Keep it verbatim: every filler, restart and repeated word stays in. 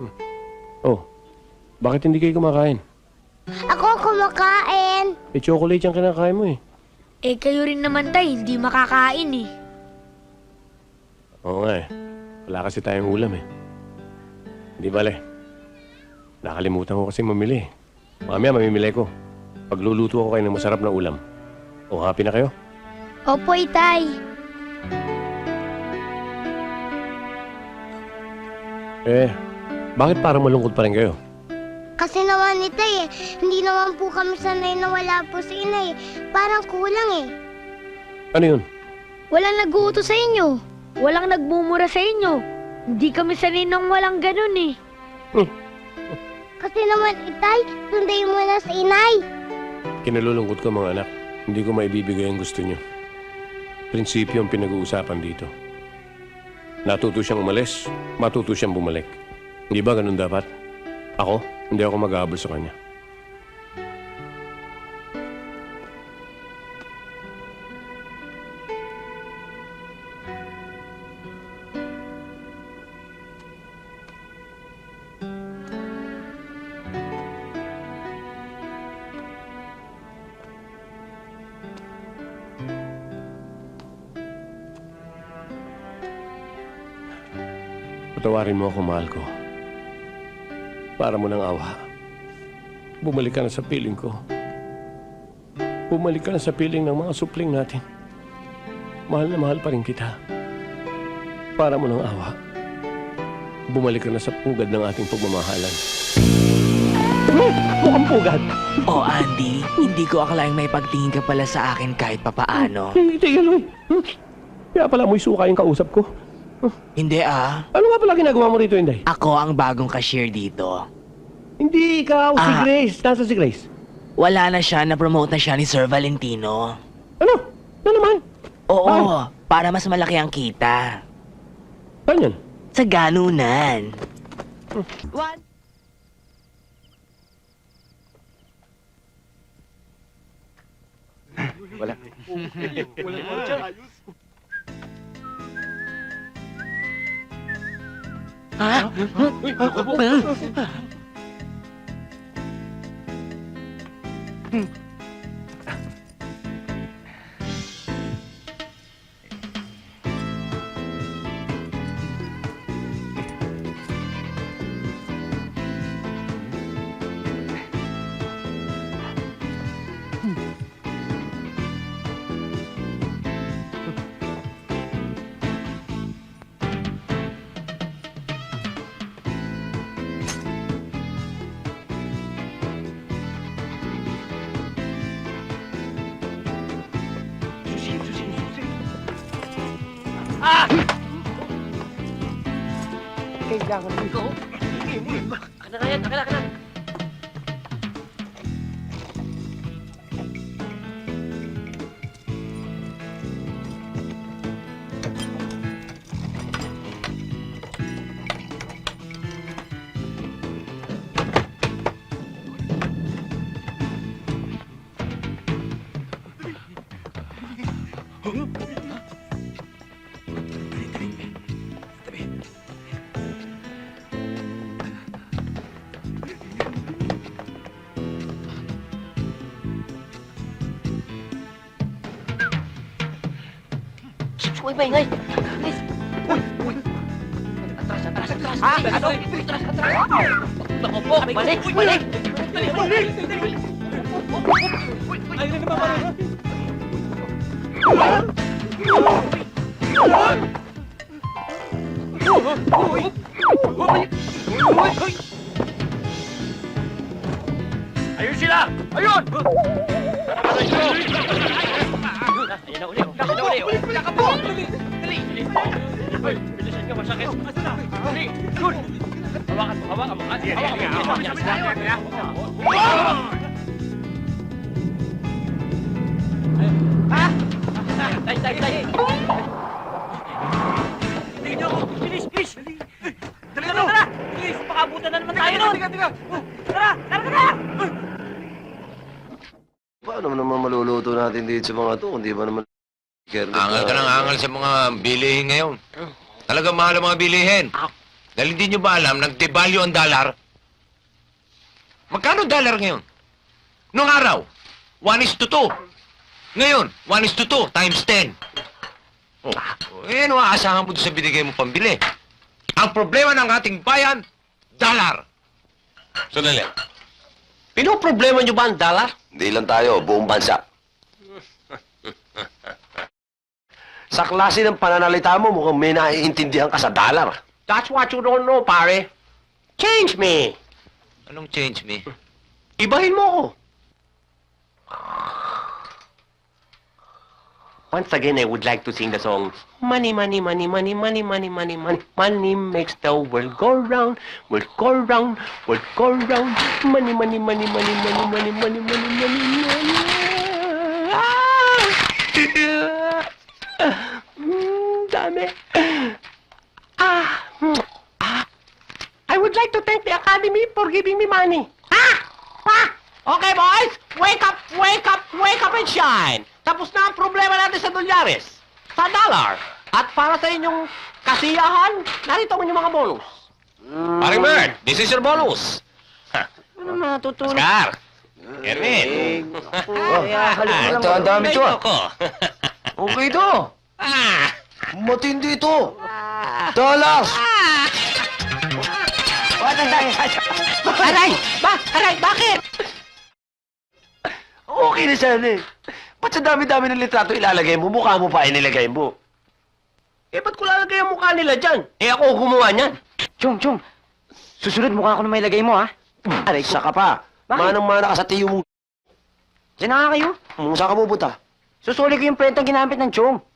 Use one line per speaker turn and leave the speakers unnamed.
Oh, bakit hindi kayo kumakain?
Ako kumakain.
Eh, chocolate yung kinakain mo eh.
Eh, kayo rin naman, tay, hindi makakain eh.
Oo nga eh. Wala kasi tayong ulam eh. Hindi bale. Nakalimutan ko kasi mamili eh. Mamaya mamimili ko. Pagluluto ako kayo ng masarap na ulam. O, happy na kayo?
Opo, itay.
Eh, bakit parang malungkot pa rin kayo?
Kasi naman itay eh, hindi naman po kami sanay na wala po si inay. Parang kulang eh.
Ano yun?
Walang nag-uuto sa inyo. Walang nagmumura sa inyo. Hindi kami sanay nang walang ganun eh.
Kasi naman itay, sunday mo na si inay.
Kinalulungkot ko mga anak. Hindi ko maibibigay ang gusto nyo. Prinsipyo ang pinag-uusapan dito. Natuto siyang umalis, matuto siyang bumalik. Hindi ba ganun dapat? Ako, hindi ako mag-aabol sa kanya. Patawarin mo ako, mahal ko. Para mo ng awa. Bumalik ka na sa piling ko. Bumalik ka na sa piling ng mga supling natin. Mahal na mahal pa rin kita. Para mo ng awa. Bumalik ka na sa pugad ng ating pagmamahalan. Hmm, mukhang pugad.
Oh, Andy, hindi ko akalaing may pagtingin ka pala sa akin kahit papaano.
Hindi, Aloy. Hmm. Kaya pala mo'y suka yung kausap ko.
Hindi ah.
Ano nga pala ginagawa mo rito, Inday?
Ako ang bagong cashier dito.
Hindi, ikaw, si
Ah.
Grace. Nasa si Grace?
Wala na siya, na-promote na siya ni Sir Valentino.
Ano? Ano naman?
Oo, para mas malaki ang kita.
Saan yan?
Sa ganunan. One.
Wala.
Ha? Uy, maingay! Please! Uy! Uy! Atras, atras, atras! Ha? Ano? Atras, atras! Naku po! Balik! Balik! Balik! Balik! Ayun na naman pala!
Ayun sila! Ayun! Ayun na uli! Ayun na uli! Wala ka po! Dali! Dali! Hoy! Bilisan ka! Masakit! Asa na? Dali! Yun! Hawakan mo! Hawakan mo! Hawakan mo! Hawakan mo! Ha? Tay! Tay! Tay! Tingnan niyo ako! Bilis! Bilis! Dali na! Tara! Bilis! Pakabutan na naman tayo nun! Tiga! Tiga! Tara! Tara! Tara!
Paano naman maluluto natin dito sa mga to? Hindi ba naman...
Angal ka ng angal sa mga bilihin ngayon. Talagang mahal ang mga bilihin. Dahil hindi nyo ba alam, nag-devalue ang dollar? Magkano dollar ngayon? Noong araw, one is to two. Ngayon, one is to two times ten. Oh, eh, ano aasahan mo doon sa binigay mo pambili? Ang problema ng ating bayan, dollar. Sandali.
Pinoproblema nyo ba ang dollar?
Hindi lang tayo, buong bansa. Sa klase ng pananalita mo, mukhang may naiintindihan ka sa dollar.
That's what you don't know, pare. Change me.
Anong change me?
Ibahin mo ko. Once again, I would like to sing the song, Money, money, money, money, money, money, money, money, money makes the world go round, world go round, world go round. Money, money, money, money, money, money, money, money, money, money. Ah! Mm, dami. Ah, mm, ah. I would like to thank the Academy for giving me money. Ha? Ha? Okay, boys, wake up, wake up, wake up and shine. Tapos na ang problema natin sa dolyares, sa dollar. At para sa inyong kasiyahan, narito mo yung mga bonus.
Paring Bert, this is your bonus.
Ano matutulog?
Oscar. Erwin.
Oh, ito, ang dami to, ah.
Ko.
Okay to.
Ah.
Matindi to. Dollars.
Aray! Ba? Aray, bakit?
Okay na sana eh. Ba't sa dami-dami ng litrato ilalagay mo, mukha mo pa inilagay mo?
Eh, ba't ko lalagay ang mukha nila dyan? Eh, ako gumawa niyan.
Chong, Chong. Susunod mukha ko na may lagay mo, ha?
Aray, saka pa.
Bakit?
Manang-mana ka sa tiyo mo.
Diyan na nga kayo.
Hmm, saan ka pupunta?
Susuli ko yung prentang ginamit ng Chong.